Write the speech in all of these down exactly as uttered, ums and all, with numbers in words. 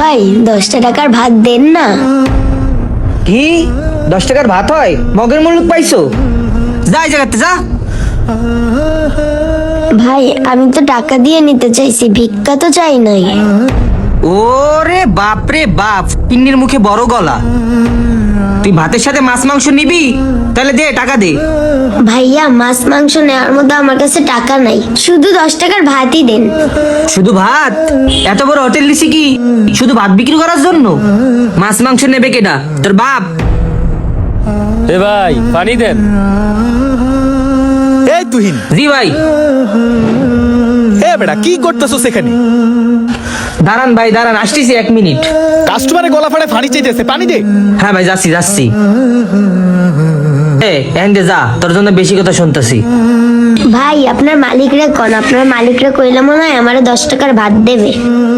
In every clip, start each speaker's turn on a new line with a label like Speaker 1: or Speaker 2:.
Speaker 1: ভাই দশটা টাকার ভাত দেন না।
Speaker 2: কি দশ টাকার ভাত হয়? মগের মুলুক পাইছো? যা এই জায়গাতে যা।
Speaker 1: ভাই আমি তো টাকা দিয়ে নিতে চাইছি, ভিক্ষা তো চাই নাই।
Speaker 2: ওরে বাপ রে বাপ, পিন্নির মুখে বড় গলা। তুই ভাতের সাথে মাছ মাংস নিবি? তাহলে দে, টাকা দে।
Speaker 1: ভাইয়া মাছ মাংস নেওয়ার মতো আমার কাছে টাকা নাই, শুধু দশ টাকার ভাতই দেন।
Speaker 2: শুধু ভাত? এত বড় হোটেল দিছি কি শুধু ভাত বিক্রি করার জন্য? মাছ মাংস নেবে কেডা? তোর বাপ?
Speaker 3: এ ভাই পানি দেন।
Speaker 4: এই তুহিন,
Speaker 2: জি ভাই।
Speaker 4: এ বেটা কি করতেছো সেখানে?
Speaker 2: দাঁড়ান ভাই দাঁড়ান, আসতেছি এক মিনিট।
Speaker 4: কাস্টমারে গলা ফাড়ে পানি চাইতেছে, পানি দে।
Speaker 2: হ্যাঁ ভাই যাচ্ছি যাচ্ছি। এ এন্ডে যা, তোর জন্য বেশি কথা শুনতেছি।
Speaker 1: ভাই আপনার মালিকরা কোন? আপনার মালিকরা কইলে মনে হয় আমারে দশ টাকার ভাত দেবে।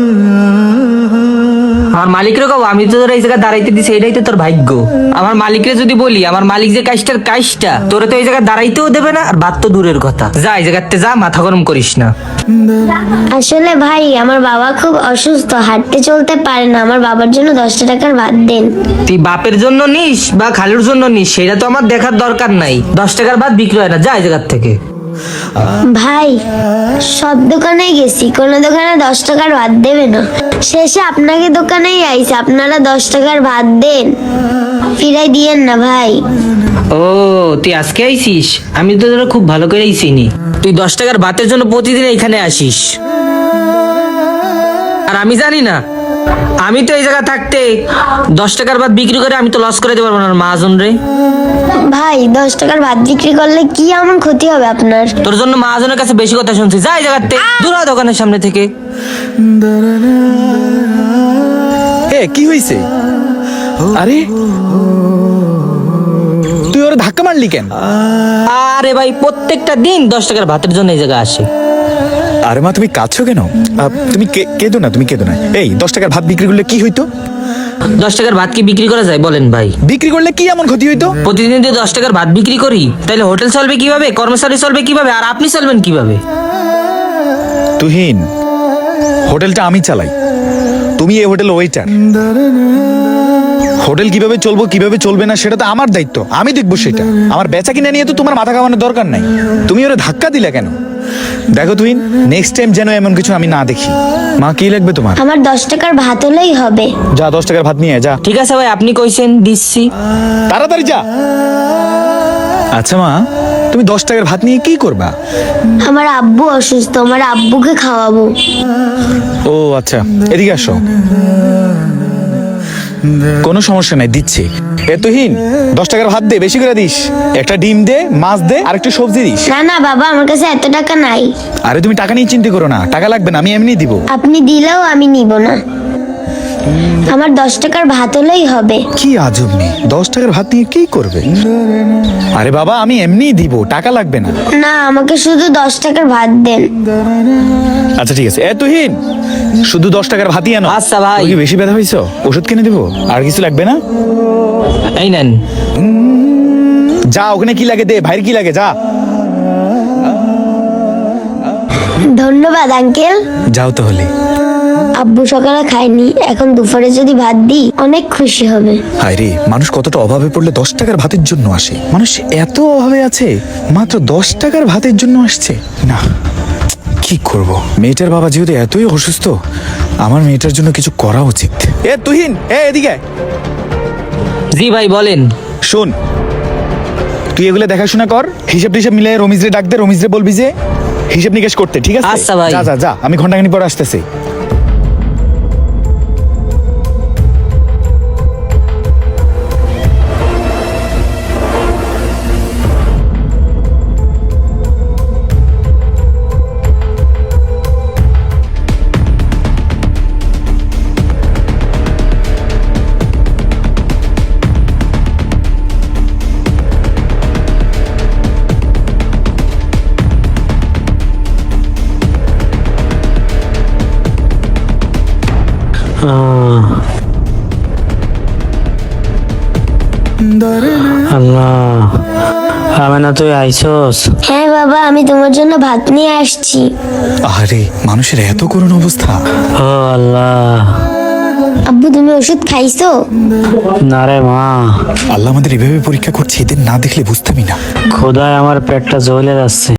Speaker 2: আমার মালিকরে কব আমি তো তোর এই জায়গায় দাঁড়াইতে দিছি, এটাই তো তোর ভাগ্য। আমার মালিকরে যদি বলি, আমার মালিক যে কাজটার কাজটা, তোরে তো এই জায়গায় দাঁড়াইতেও দেবে না, আর ভাত তো দূরের কথা। যা এই জায়গাতে যা, মাথা গরম করিস না।
Speaker 1: আসলে ভাই আমার বাবা খুব অসুস্থ, হাঁটতে চলতে পারে না, আমার বাবার জন্য দশটা টাকার ভাত দেন।
Speaker 2: তুই বাপের জন্য নিস বা খালুর জন্য নিস, সেটা তো আমার দেখার দরকার নাই। দশ টাকার ভাত বিক্রি হয় না, যা এই জায়গার থেকে।
Speaker 1: ভাই সব দোকানে গেছি, কোনো দোকানে দশ টাকার ভাত দেবে না, শেষে আপনাকে দোকানেই আইছে, আপনারা দশ টাকার ভাত দেন, ফিরাই দিয়েন না ভাই।
Speaker 2: ও তুই আজকে আইছিস? আমি তো তোরা খুব ভালো করেই চিনি। তুই দশ টাকার ভাতের জন্য প্রতিদিন এখানে আসিস, আর আমি জানি না? আমি তো এই জায়গা থাকতে দশ টাকার ভাত বিক্রি করে আমি তো লস করে দিতে পারবো না মহাজন রে।
Speaker 1: ভাই দশ টাকার ভাত বিক্রি করলে কি এমন ক্ষতি হবে আপনার?
Speaker 2: তোর জন্য মহাজনের কাছে বেশি কথা শুনছি, যা এই জায়গাতে দূর হ দোকানের সামনে থেকে।
Speaker 4: এ কি হইছে? আরে তুই ওরে ধাক্কা মারলি কেন?
Speaker 2: আরে ভাই প্রত্যেকটা দিন দশ টাকার ভাতের জন্য এই জায়গায় আসে।
Speaker 4: আরে মা তুমি কাঁদছো কেন? আহ, তুমি কে- কেঁদো না, তুমি কেঁদো না। এই দশ টাকার ভাত বিক্রি করলে কি হইতো?
Speaker 2: দশ টাকার ভাত কি বিক্রি করা যায় বলেন ভাই?
Speaker 4: বিক্রি করলে কি এমন ক্ষতি হইতো?
Speaker 2: প্রতিদিন যদি দশ টাকার ভাত বিক্রি করি, তাহলে হোটেল চলবে কিভাবে, কর্মচারী চলবে কিভাবে, আর আপনি চলবেন কিভাবে?
Speaker 4: তুহিন, হোটেলটা আমি চালাই, তুমি এই হোটেল ওয়েটার। হোটেল কিভাবে চলবো কিভাবে চলবে না সেটা তো আমার দায়িত্ব, আমি দেখবো সেটা। আমার বেচা কিনা নিয়ে তো তোমার মাথা কামানোর দরকার নাই। তুমি ওরা ধাক্কা দিলে কেন? দেখো তুহিন, নেক্সট টাইম যেন এমন কিছু আমি না দেখি। মা কি লাগবে তোমার?
Speaker 1: আমার দশ টাকার ভাত হলেই হবে।
Speaker 4: যা দশ টাকার ভাত নিয়ে আয়, যা
Speaker 2: ঠিক আছে ভাই, আপনি কইছেন দিচ্ছি।
Speaker 4: তাড়াতাড়ি যা। আচ্ছা মা, তুমি দশ টাকার ভাত নিয়ে কি করবা?
Speaker 1: আমার আব্বু অসুস্থ, আমার আব্বুকে খাওয়াবো।
Speaker 4: ও আচ্ছা, এদিকে আসো। কোনো সমস্যা নাই, দিচ্ছি। এ তুহিন, দশ টাকার ভাত দে, বেশি করে দিস। একটা ডিম দে, মাছ দে, আর একটু সবজি দিস।
Speaker 1: না না বাবা, আমার কাছে এত টাকা নাই।
Speaker 4: আরে তুমি টাকা নিয়ে চিন্তা করো না, টাকা লাগবে না, আমি এমনি দিব।
Speaker 1: আপনি দিলেও আমি নিব না, আমার দশ টাকার ভাত হলেই হবে।
Speaker 4: কি আজব মেয়ে, দশ টাকার ভাত নিয়ে কি করবে? আরে বাবা আমি এমনি দিব, টাকা লাগবে না।
Speaker 1: না আমাকে শুধু দশ টাকার ভাত দেন।
Speaker 4: আচ্ছা ঠিক আছে। এ তুহিন, শুধু দশ টাকার ভাতই আনো।
Speaker 2: আচ্ছা ভাই।
Speaker 4: তোর কি বেশি ব্যথা হয়েছ? ওষুধ কিনে দিব, আর কিছু লাগবে না?
Speaker 2: এই নেন।
Speaker 4: যা ওখানে কি লাগে দে, ভাইয়ের কি লাগে, যা।
Speaker 1: ধন্যবাদ আঙ্কেল।
Speaker 4: যাও তাহলে।
Speaker 1: আব্বু সকালে খায়নি, এখন দুপুরে যদি ভাত দিই অনেক খুশি হবে।
Speaker 4: হায় রে, মানুষ কতটা অভাবে পড়লে দশ টাকার ভাতের জন্য আসে। মানুষ এত অভাবে আছে, মাত্র দশ টাকার ভাতের জন্য আসছে না। কি করব, মেয়েটার বাবা যেহেতু এতই অসুস্থ, আমার মেয়েটার জন্য কিছু করা উচিত। এ তুহিন, এ এদিকে আয়।
Speaker 2: জি ভাই বলেন।
Speaker 4: শোন, তুই এগুলো দেখাশোনা কর, হিসাব টিসাব মিলে রমিজরে ডাক দে, রমিজরে বলবি যে হিসাব নিকাশ করতে, ঠিক আছে?
Speaker 2: আচ্ছা ভাই।
Speaker 4: যা যা যা, আমি ঘন্টাখানি পর আসতেছি।
Speaker 3: আল্লাহ, আমি না তুই আইসস?
Speaker 1: হ্যাঁ বাবা, আমি তোমার জন্য ভাত নিয়ে আসছি।
Speaker 4: আরে মানুষের এত করুণ অবস্থা।
Speaker 3: ও আল্লাহ,
Speaker 1: তুমি ওষুধ খাইছো?
Speaker 3: না রে মা,
Speaker 4: আল্লাহ আমাদের এভাবে পরীক্ষা করছে, এদের না দেখলে বুঝতামই না।
Speaker 3: খোদায় আমার পেটটা জ্বলে যাচ্ছে।